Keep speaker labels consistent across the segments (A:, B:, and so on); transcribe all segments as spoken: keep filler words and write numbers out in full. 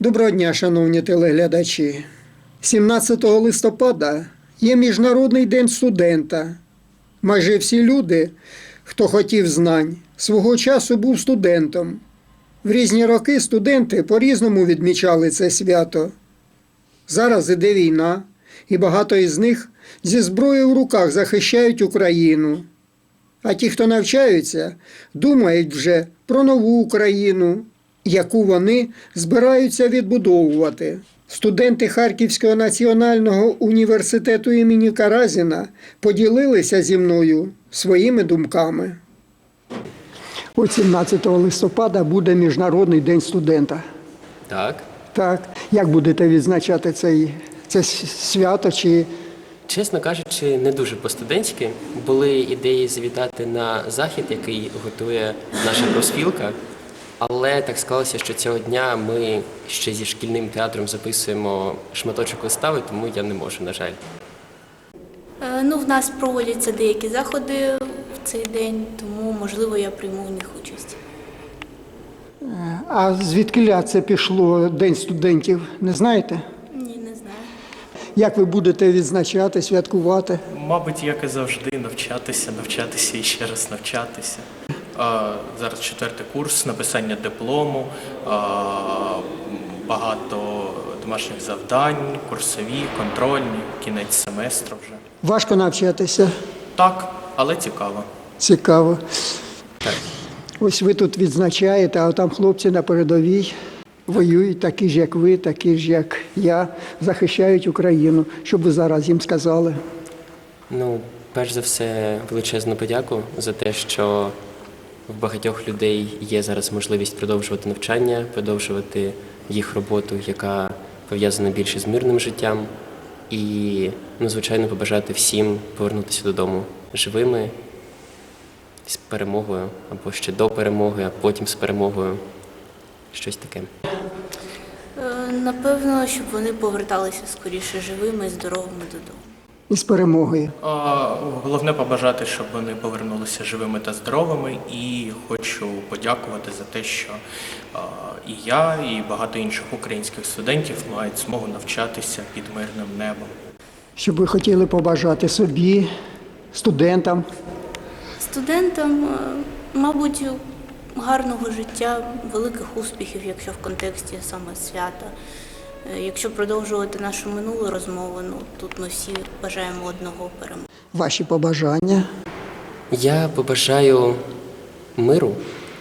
A: Доброго дня, шановні телеглядачі. сімнадцятого листопада є Міжнародний день студента. Майже всі люди, хто хотів знань, свого часу був студентом. В різні роки студенти по-різному відмічали це свято. Зараз іде війна, і багато із них зі зброєю в руках захищають Україну. А ті, хто навчаються, думають вже про нову Україну, яку вони збираються відбудовувати. Студенти Харківського національного університету імені Каразіна поділилися зі мною своїми думками. От сімнадцятого листопада буде Міжнародний день студента.
B: Так.
A: Так. Як будете відзначати цей, це свято? Чи...
B: Чесно кажучи, не дуже по-студентськи. Були ідеї завітати на захід, який готує наша профспілка. Але так склалося, що цього дня ми ще зі шкільним театром записуємо шматочок вистави, тому я не можу, на жаль.
C: Е, Ну, в нас проводяться деякі заходи в цей день, тому, можливо, я прийму в них участь.
A: А звідкиля це пішло День студентів, не знаєте?
C: Ні, не знаю.
A: Як ви будете відзначати, святкувати?
D: Мабуть, як і завжди, навчатися, навчатися і ще раз навчатися. А, зараз четвертий курс, написання диплому, а, багато домашніх завдань, курсові, контрольні, кінець семестру вже.
A: Важко навчатися?
D: Так, але цікаво.
A: Цікаво.
B: Так.
A: Ось ви тут відзначаєте, а там хлопці на передовій воюють, такі ж, як ви, такі ж, як я, захищають Україну. Що б ви зараз їм сказали?
B: Ну, перш за все, величезну подяку за те, що в багатьох людей є зараз можливість продовжувати навчання, продовжувати їх роботу, яка пов'язана більше з мирним життям. І, ну, звичайно, побажати всім повернутися додому живими, з перемогою, або ще до перемоги, а потім з перемогою. Щось таке.
C: Е, Напевно, щоб вони поверталися скоріше живими і здоровими додому.
A: І з перемогою.
D: А, головне побажати, щоб вони повернулися живими та здоровими. І хочу подякувати за те, що а, і я, і багато інших українських студентів мають змогу навчатися під мирним небом.
A: Що б ви хотіли побажати собі, студентам?
C: Студентам, е, мабуть, гарного життя, великих успіхів, якщо в контексті саме свята. Е, Якщо продовжувати нашу минулу розмову, ну, тут ми всі бажаємо одного – перемоги.
A: Ваші побажання?
B: Я побажаю миру,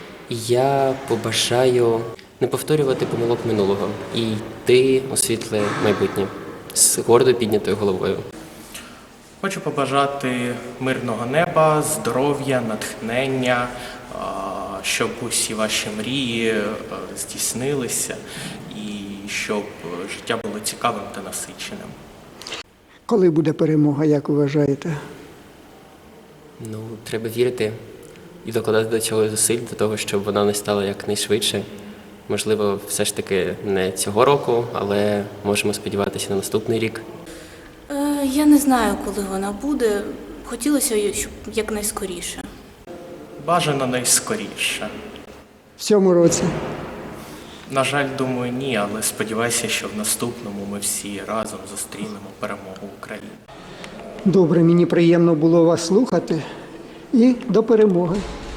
B: я побажаю не повторювати помилок минулого і йти у світле майбутнє з гордо піднятою головою.
D: Хочу побажати мирного неба, здоров'я, натхнення, а, щоб усі ваші мрії е, здійснилися і щоб життя було цікавим та насиченим.
A: Коли буде перемога, як ви вважаєте?
B: Ну, треба вірити і докладати до цього зусиль, до того, щоб вона не стала якнайшвидше. Можливо, все ж таки не цього року, але можемо сподіватися на наступний рік.
C: Е, Я не знаю, коли вона буде. Хотілося, щоб якнайскоріше.
D: Бажано найскоріше.
A: В цьому році?
D: На жаль, думаю, ні, але сподіваюся, що в наступному ми всі разом зустрінемо перемогу України.
A: Добре, мені приємно було вас слухати. І до перемоги.